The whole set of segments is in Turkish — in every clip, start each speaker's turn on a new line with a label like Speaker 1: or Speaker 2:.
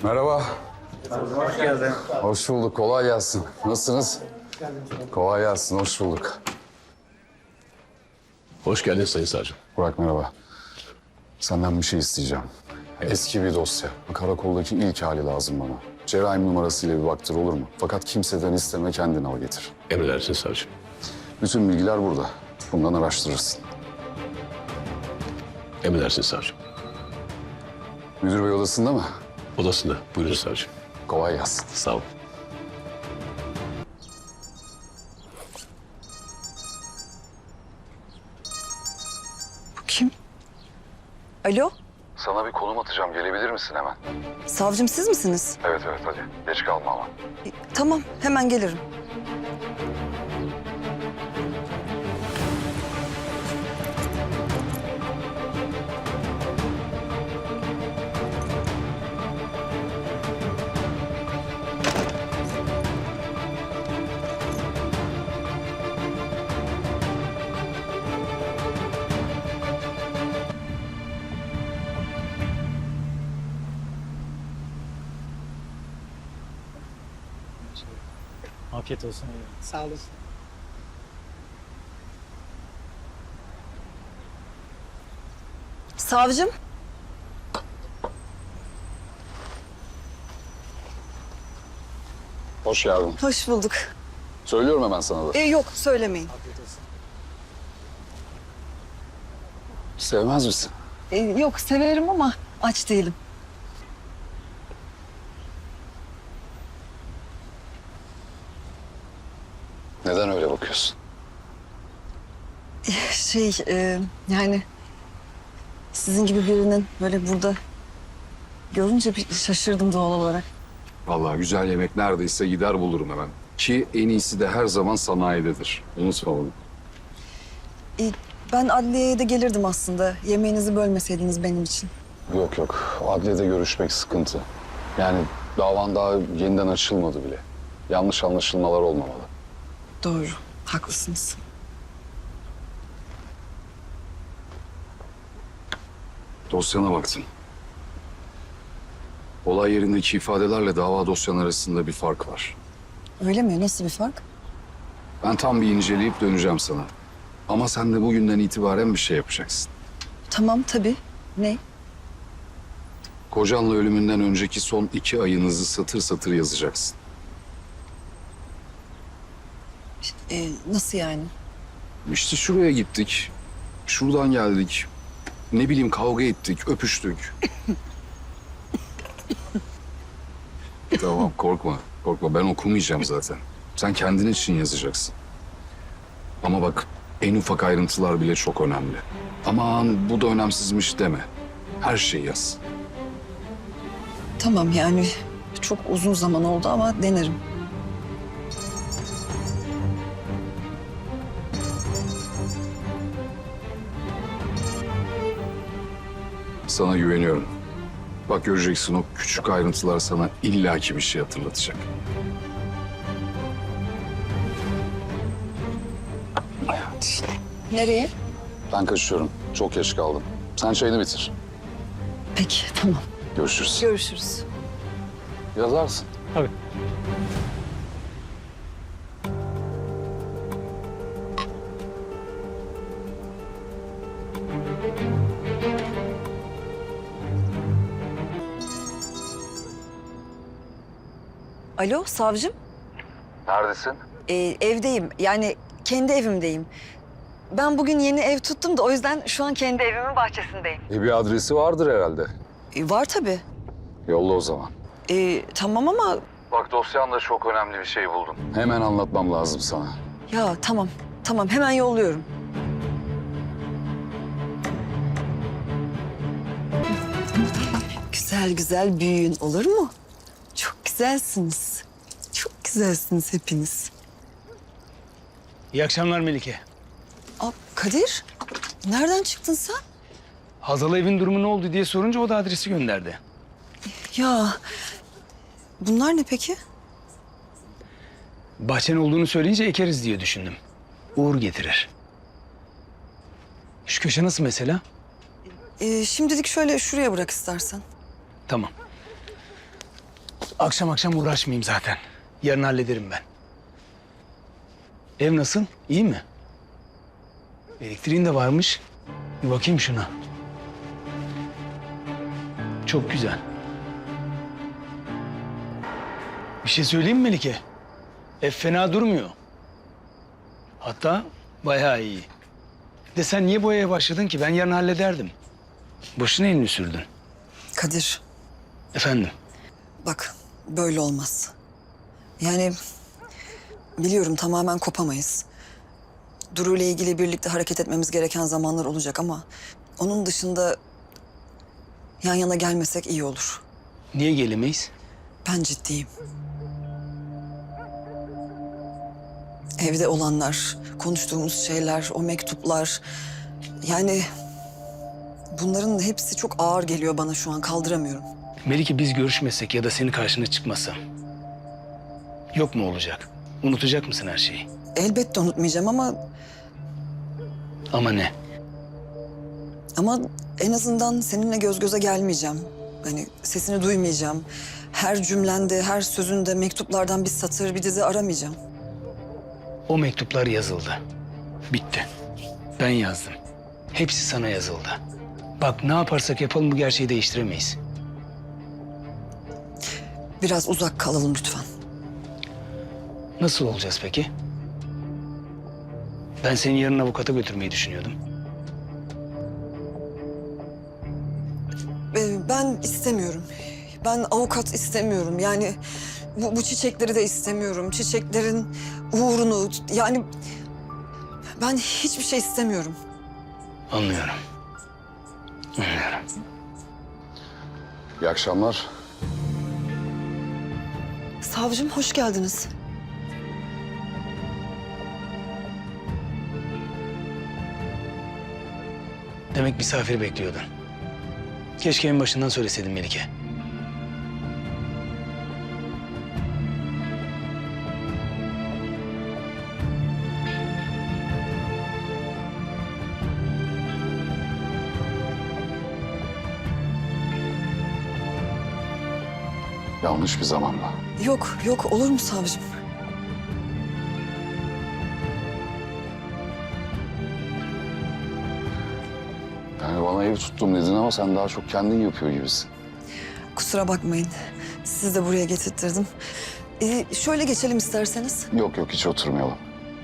Speaker 1: Merhaba.
Speaker 2: Hoş geldin.
Speaker 1: Hoş bulduk. Kolay gelsin. Nasılsınız? Kolay gelsin. Hoş bulduk.
Speaker 3: Hoş geldin Sayın Savcım.
Speaker 1: Burak merhaba. Senden bir şey isteyeceğim. Eski bir dosya. Karakoldaki ilk hali lazım bana. Cerrahim numarasıyla bir baktır olur mu? Fakat kimseden isteme, kendin al getir.
Speaker 3: Emredersin savcım.
Speaker 1: Bütün bilgiler burada. Bundan araştırırsın.
Speaker 3: Emredersin savcım.
Speaker 1: Müdür bey odasında mı?
Speaker 3: Odasında. Buyurun savcım.
Speaker 1: Kolay gelsin.
Speaker 3: Sağ ol.
Speaker 4: Bu kim? Alo,
Speaker 1: Sana bir konum atacağım. Gelebilir misin hemen?
Speaker 4: savcım siz misiniz?
Speaker 1: Evet hadi. Geç kalma ama.
Speaker 4: Tamam, hemen gelirim.
Speaker 2: Afiyet olsun. Sağ olasın.
Speaker 4: Savcım,
Speaker 1: Hoş geldin.
Speaker 4: hoş bulduk.
Speaker 1: Söylüyorum hemen sana da.
Speaker 4: Yok, söylemeyin.
Speaker 2: Afiyet olsun.
Speaker 1: Sevmez misin?
Speaker 4: Yok, severim ama aç değilim.
Speaker 1: Neden öyle bakıyorsun?
Speaker 4: Yani sizin gibi birinin böyle burada görünce bir şaşırdım doğal olarak.
Speaker 1: Vallahi güzel yemek neredeyse gider bulurum hemen. Ki en iyisi de her zaman sanayidedir. Unutma bunu.
Speaker 4: Ben adliyeye de gelirdim aslında. Yemeğinizi bölmeseydiniz benim için.
Speaker 1: Yok. Adliyede görüşmek sıkıntı. Yani davan daha yeniden açılmadı bile. Yanlış anlaşılmalar olmamalı.
Speaker 4: Doğru, haklısınız.
Speaker 1: Dosyana baktım. Olay yerindeki ifadelerle dava dosyan arasında bir fark var.
Speaker 4: Öyle mi? Nasıl bir fark?
Speaker 1: Ben tam bir inceleyip döneceğim sana. Ama sen de bugünden itibaren bir şey yapacaksın.
Speaker 4: Tamam, tabii. Ne?
Speaker 1: Kocanla ölümünden önceki son 2 ayınızı satır satır yazacaksın.
Speaker 4: Nasıl yani?
Speaker 1: İşte şuraya gittik, şuradan geldik. Ne bileyim kavga ettik, öpüştük. Tamam korkma, ben okumayacağım zaten. Sen kendin için yazacaksın. Ama bak en ufak ayrıntılar bile çok önemli. Aman bu da önemsizmiş deme. Her şeyi yaz.
Speaker 4: Tamam yani çok uzun zaman oldu ama denerim.
Speaker 1: Sana güveniyorum. Bak göreceksin o küçük ayrıntılar sana illaki bir şey hatırlatacak.
Speaker 4: Nereye?
Speaker 1: Ben kaçıyorum. Çok geç kaldım. Sen çayını bitir.
Speaker 4: Peki, tamam.
Speaker 1: Görüşürüz.
Speaker 4: Görüşürüz.
Speaker 1: Yazarsın.
Speaker 2: Tabii.
Speaker 4: Alo, savcım.
Speaker 1: Neredesin?
Speaker 4: Evdeyim. Yani kendi evimdeyim. Ben bugün yeni ev tuttum da o yüzden şu an kendi evimin bahçesindeyim.
Speaker 1: Bir adresi vardır herhalde.
Speaker 4: Var tabii.
Speaker 1: Yolla o zaman.
Speaker 4: Tamam ama
Speaker 1: Bak dosyanda çok önemli bir şey buldum. Hemen anlatmam lazım sana.
Speaker 4: ya tamam. Tamam, hemen yolluyorum. Güzel güzel büyüyün olur mu? Çok güzelsiniz. Çok güzelsiniz hepiniz.
Speaker 2: İyi akşamlar Melike.
Speaker 4: Kadir, nereden çıktın sen?
Speaker 2: Hazal evin durumu ne oldu diye sorunca o da adresi gönderdi.
Speaker 4: Ya, bunlar ne peki?
Speaker 2: Bahçen olduğunu söyleyince ekeriz diye düşündüm. Uğur getirir. Şu köşe nasıl mesela?
Speaker 4: Şimdilik şöyle şuraya bırak istersen.
Speaker 2: Tamam. Akşam akşam uğraşmayayım zaten. Yarın hallederim ben. Ev nasıl? İyi mi? Elektriğin de varmış. Bir bakayım şuna. Çok güzel. Bir şey söyleyeyim mi Melike? Ev fena durmuyor. Hatta bayağı iyi. De sen niye boyaya başladın ki? Ben yarın hallederdim. Boşuna elini sürdün.
Speaker 4: Kadir,
Speaker 2: Efendim?
Speaker 4: bak böyle olmaz. Yani biliyorum tamamen kopamayız. Duru ile ilgili birlikte hareket etmemiz gereken zamanlar olacak ama onun dışında yan yana gelmesek iyi olur.
Speaker 2: Niye gelemeyiz?
Speaker 4: Ben ciddiyim. Evde olanlar, konuştuğumuz şeyler, o mektuplar... Yani bunların hepsi çok ağır geliyor bana şu an, kaldıramıyorum.
Speaker 2: Melike biz görüşmesek ya da senin karşına çıkmasam. Yok mu olacak? Unutacak mısın her şeyi?
Speaker 4: Elbette unutmayacağım
Speaker 2: Ama ne?
Speaker 4: ama en azından seninle göz göze gelmeyeceğim. Hani sesini duymayacağım. Her cümlende, her sözünde mektuplardan bir satır, bir dizi aramayacağım.
Speaker 2: O mektuplar yazıldı. Bitti. Ben yazdım. Hepsi sana yazıldı. Bak ne yaparsak yapalım bu gerçeği değiştiremeyiz.
Speaker 4: Biraz uzak kalalım lütfen.
Speaker 2: Nasıl olacağız peki? Ben seni yarın avukata götürmeyi düşünüyordum.
Speaker 4: Ben istemiyorum. Ben avukat istemiyorum. Yani bu çiçekleri de istemiyorum. Çiçeklerin uğrunu yani ben hiçbir şey istemiyorum.
Speaker 2: Anlıyorum. Anlıyorum.
Speaker 1: İyi akşamlar.
Speaker 4: Savcım hoş geldiniz.
Speaker 2: Demek misafir bekliyordun. Keşke en başından söyleseydin Melike.
Speaker 1: Yanlış bir zamanda.
Speaker 4: Yok olur mu savcım?
Speaker 1: Yani bana ev tuttum dedin ama sen daha çok kendin yapıyor gibisin.
Speaker 4: Kusura bakmayın. Sizi de buraya getirttirdim. Şöyle geçelim isterseniz.
Speaker 1: Yok hiç oturmayalım.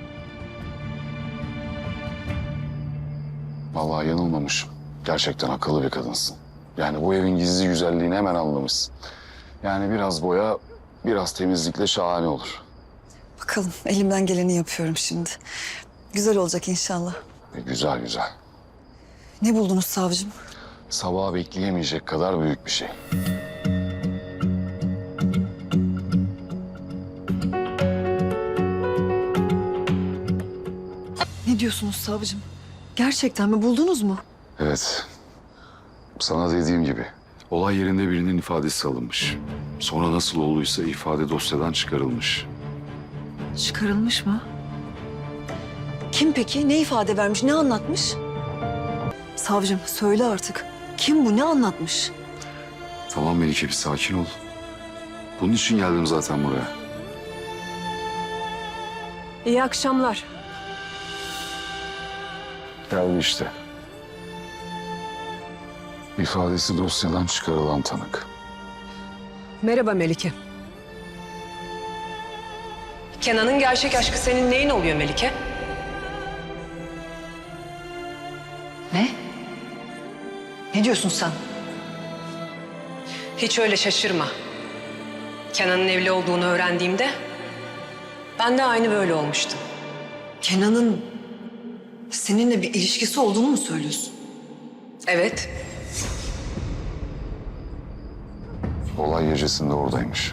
Speaker 1: Vallahi yanılmamışım. Gerçekten akıllı bir kadınsın. Yani bu evin gizli güzelliğini hemen anlamışsın. Yani biraz boya, biraz temizlikle şahane olur.
Speaker 4: Bakalım elimden geleni yapıyorum şimdi. Güzel olacak inşallah.
Speaker 1: Güzel.
Speaker 4: Ne buldunuz savcım?
Speaker 1: Sabaha bekleyemeyecek kadar büyük bir şey.
Speaker 4: Ne diyorsunuz savcım? Gerçekten mi buldunuz mu?
Speaker 1: Evet. Sana dediğim gibi. Olay yerinde birinin ifadesi alınmış. Sonra nasıl olduysa ifade dosyadan çıkarılmış.
Speaker 4: Çıkarılmış mı? Kim peki? Ne ifade vermiş? Ne anlatmış? Savcım söyle artık. Kim bu? Ne anlatmış?
Speaker 1: Tamam Melike bir sakin ol. Bunun için geldim zaten buraya.
Speaker 5: İyi akşamlar.
Speaker 1: Geldi işte. İfadesi dosyadan çıkarılan tanık.
Speaker 5: Merhaba Melike. Kenan'ın gerçek aşkı senin neyin oluyor Melike?
Speaker 4: Ne? Ne diyorsun sen?
Speaker 5: Hiç öyle şaşırma. Kenan'ın evli olduğunu öğrendiğimde ben de aynı böyle olmuştum.
Speaker 4: Kenan'ın seninle bir ilişkisi olduğunu mu söylüyorsun?
Speaker 5: Evet.
Speaker 1: Olay gecesinde oradaymış.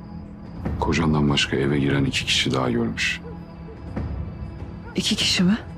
Speaker 1: Kocandan başka eve giren 2 kişi daha görmüş.
Speaker 4: 2 kişi mi?